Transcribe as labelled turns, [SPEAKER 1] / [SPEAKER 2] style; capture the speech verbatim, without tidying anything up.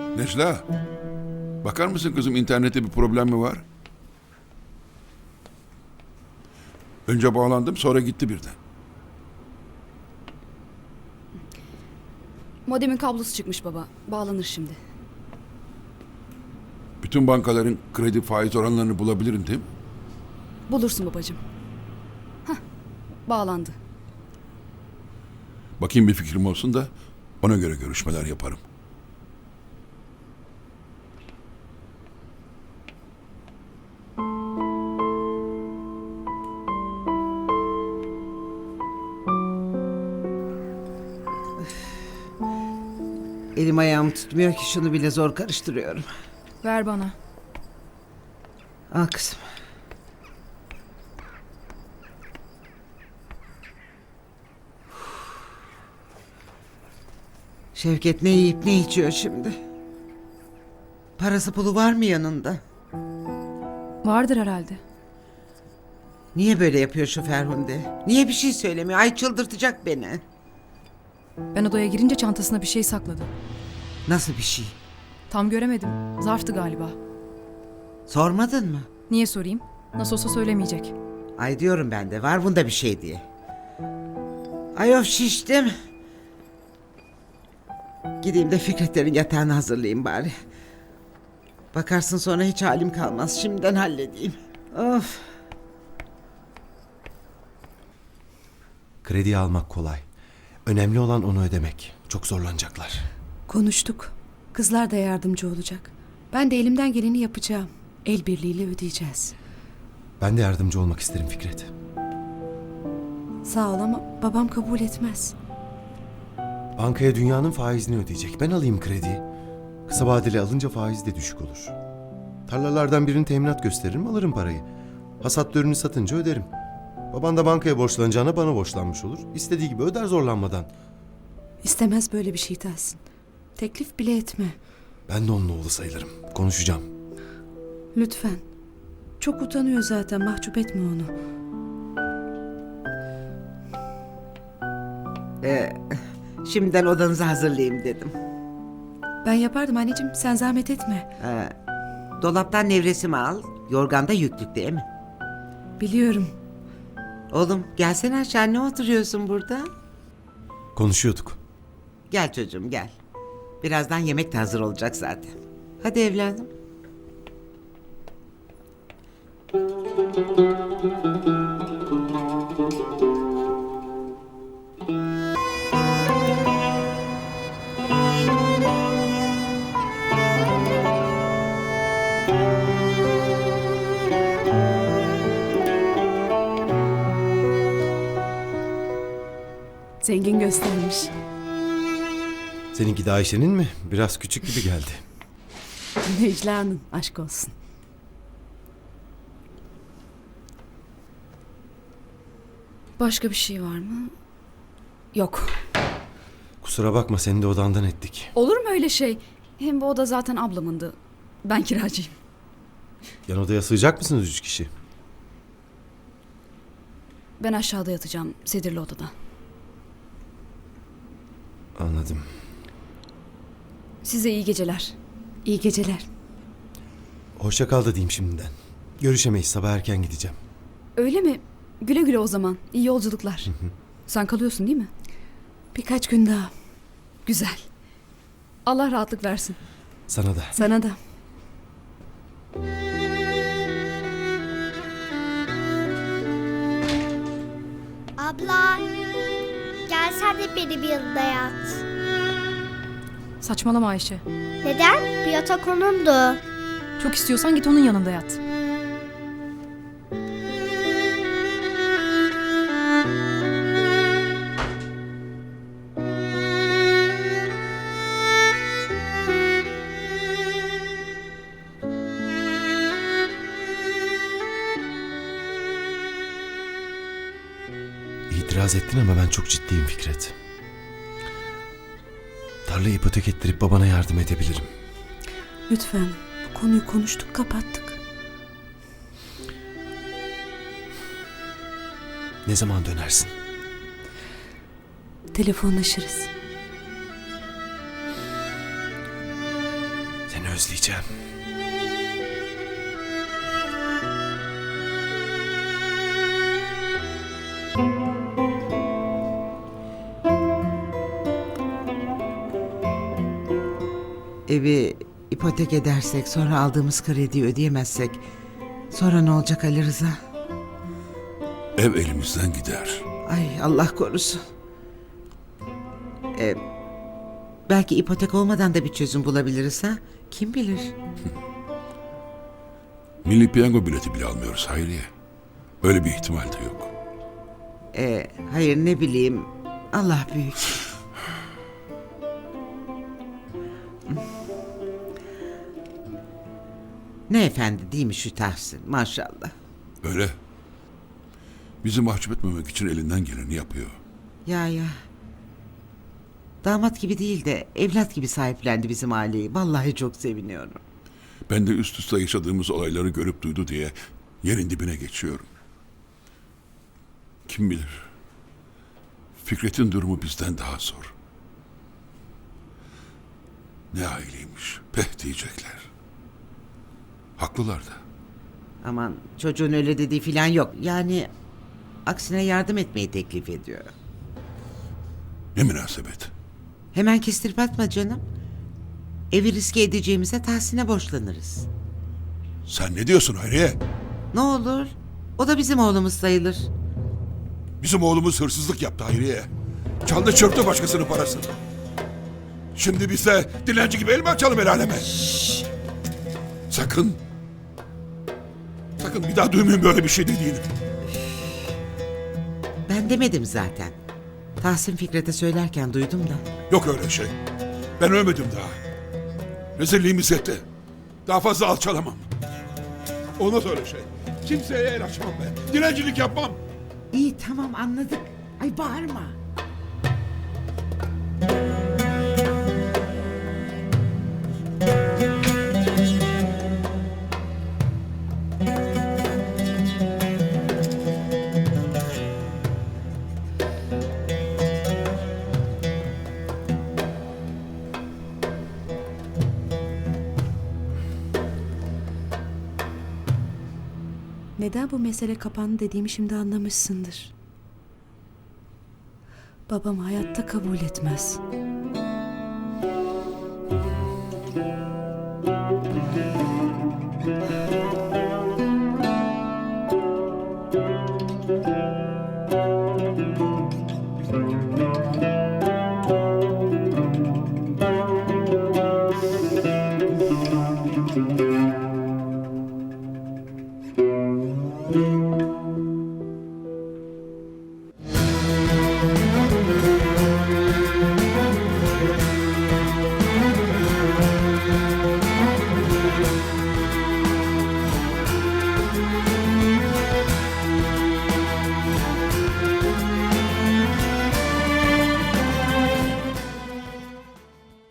[SPEAKER 1] Necla, bakar mısın kızım, internette bir problem mi var? Önce bağlandım, sonra gitti birden.
[SPEAKER 2] Modemin kablosu çıkmış baba. Bağlanır şimdi.
[SPEAKER 1] Bütün bankaların kredi faiz oranlarını bulabilirim değil mi?
[SPEAKER 2] Bulursun babacığım. Hah, bağlandı.
[SPEAKER 1] Bakayım, bir fikrim olsun da ona göre görüşmeler yaparım.
[SPEAKER 3] Elim ayağım tutmuyor ki, şunu bile zor karıştırıyorum.
[SPEAKER 4] Ver bana.
[SPEAKER 3] Al kızım. Şevket ne yiyip ne içiyor şimdi? Parası pulu var mı yanında?
[SPEAKER 4] Vardır herhalde.
[SPEAKER 3] Niye böyle yapıyor şu Ferhunde? Niye bir şey söylemiyor? Ay, çıldırtacak beni.
[SPEAKER 4] Ben odaya girince çantasına bir şey sakladı.
[SPEAKER 3] Nasıl bir şey?
[SPEAKER 4] Tam göremedim. Zarftı galiba.
[SPEAKER 3] Sormadın mı?
[SPEAKER 4] Niye sorayım? Nasıl olsa söylemeyecek.
[SPEAKER 3] Ay diyorum ben de, var bunda bir şey diye. Ay of, şiştim. Gideyim de Fikretlerin yatağını hazırlayayım bari. Bakarsın sonra hiç halim kalmaz. Şimdiden halledeyim. Of.
[SPEAKER 5] Krediyi almak kolay. Önemli olan onu ödemek. Çok zorlanacaklar.
[SPEAKER 6] Konuştuk. Kızlar da yardımcı olacak. Ben de elimden geleni yapacağım. El birliğiyle ödeyeceğiz.
[SPEAKER 5] Ben de yardımcı olmak isterim Fikret.
[SPEAKER 6] Sağ ol ama babam kabul etmez.
[SPEAKER 5] Bankaya dünyanın faizini ödeyecek. Ben alayım krediyi. Kısa vadeli alınca faiz de düşük olur. Tarlalardan birini teminat gösteririm, alırım parayı. Hasat ürünü satınca öderim. Baban da bankaya borçlanacağına bana borçlanmış olur. İstediği gibi öder zorlanmadan.
[SPEAKER 6] İstemez böyle bir şey Tahsin. Teklif bile etme.
[SPEAKER 5] Ben de onun oğlu sayılırım. Konuşacağım.
[SPEAKER 6] Lütfen. Çok utanıyor zaten, mahcup etme onu.
[SPEAKER 3] Ee, şimdiden odanızı hazırlayayım dedim.
[SPEAKER 6] Ben yapardım anneciğim, sen zahmet etme.
[SPEAKER 3] Ee, dolaptan nevresimi al. Yorganda yüklük değil mi?
[SPEAKER 6] Biliyorum.
[SPEAKER 3] Oğlum gelsene aşağı, ne oturuyorsun burada?
[SPEAKER 5] Konuşuyorduk.
[SPEAKER 3] Gel çocuğum gel. Birazdan yemek de hazır olacak zaten. Hadi evladım.
[SPEAKER 6] Zengin göstermiş.
[SPEAKER 5] Seninki de Ayşe'nin mi? Biraz küçük gibi geldi.
[SPEAKER 6] Necla'nın, aşk olsun.
[SPEAKER 2] Başka bir şey var mı? Yok.
[SPEAKER 5] Kusura bakma, seni de odandan ettik.
[SPEAKER 2] Olur mu öyle şey? Hem bu oda zaten ablamındı. Ben kiracıyım.
[SPEAKER 5] Yan odaya sığacak mısınız üç kişi?
[SPEAKER 2] Ben aşağıda yatacağım, sedirli odada.
[SPEAKER 5] Anladım.
[SPEAKER 2] Size iyi geceler.
[SPEAKER 6] İyi geceler.
[SPEAKER 5] Hoşça kal da diyeyim şimdiden. Görüşemeyiz, sabah erken gideceğim.
[SPEAKER 2] Öyle mi? Güle güle o zaman. İyi yolculuklar. Sen kalıyorsun değil mi?
[SPEAKER 6] Birkaç gün daha.
[SPEAKER 2] Güzel. Allah rahatlık versin.
[SPEAKER 5] Sana da.
[SPEAKER 6] Sana da.
[SPEAKER 7] Abla, gel sen de benim yanımda yat.
[SPEAKER 4] Saçmalama Ayşe.
[SPEAKER 7] Neden? Bu yatak onundu.
[SPEAKER 4] Çok istiyorsan git onun yanında yat.
[SPEAKER 5] İtiraz ettin ama ben çok ciddiyim Fikret. Tarlayı ipotek ettirip babana yardım edebilirim.
[SPEAKER 6] Lütfen. Bu konuyu konuştuk, kapattık.
[SPEAKER 5] Ne zaman dönersin?
[SPEAKER 6] Telefonlaşırız.
[SPEAKER 5] özleyeceğim.
[SPEAKER 3] Evi ipotek edersek, sonra aldığımız krediyi ödeyemezsek, sonra ne olacak Ali Rıza?
[SPEAKER 1] Ev elimizden gider.
[SPEAKER 3] Ay Allah korusun. Ee, belki ipotek olmadan da bir çözüm bulabiliriz ha? Kim bilir?
[SPEAKER 1] Milli piyango bileti bile almıyoruz Hayriye. Öyle bir ihtimal de yok.
[SPEAKER 3] Ee, hayır ne bileyim. Allah büyük. Ne efendi değil mi şu Tahsin? Maşallah.
[SPEAKER 1] Öyle. Bizi mahcup etmemek için elinden geleni yapıyor.
[SPEAKER 3] Ya ya. Damat gibi değil de evlat gibi sahiplendi bizim aileyi. Vallahi çok seviniyorum.
[SPEAKER 1] Ben de üst üste yaşadığımız olayları görüp duydu diye yerin dibine geçiyorum. Kim bilir? Fikret'in durumu bizden daha zor. Ne aileymiş, peh diyecekler. Haklılar da.
[SPEAKER 3] Aman çocuğun öyle dediği falan yok. Yani aksine yardım etmeyi teklif ediyor.
[SPEAKER 1] Ne münasebet.
[SPEAKER 3] Hemen kestirip atma canım. Evi riske edeceğimize Tahsin'e borçlanırız.
[SPEAKER 1] Sen ne diyorsun Hayriye?
[SPEAKER 3] Ne olur? O da bizim oğlumuz sayılır.
[SPEAKER 1] Bizim oğlumuz hırsızlık yaptı Hayriye. Çaldı çırptı başkasının parasını. Şimdi biz de dilenci gibi el mi açalım el aleme? Sakın. Sakın bir daha duymayın böyle bir şey dediğini.
[SPEAKER 3] Ben demedim zaten. Tahsin Fikret'e söylerken duydum da.
[SPEAKER 1] Yok öyle şey. Ben ölmedim daha. Rezilliğimiz yetti. Daha fazla alçalamam. Olmaz öyle şey. Kimseye el açmam ben. Dilencilik yapmam.
[SPEAKER 3] İyi tamam anladık. Ay bağırma.
[SPEAKER 6] Neden bu mesele kapandı dediğimi şimdi anlamışsındır. Babam hayatta kabul etmez.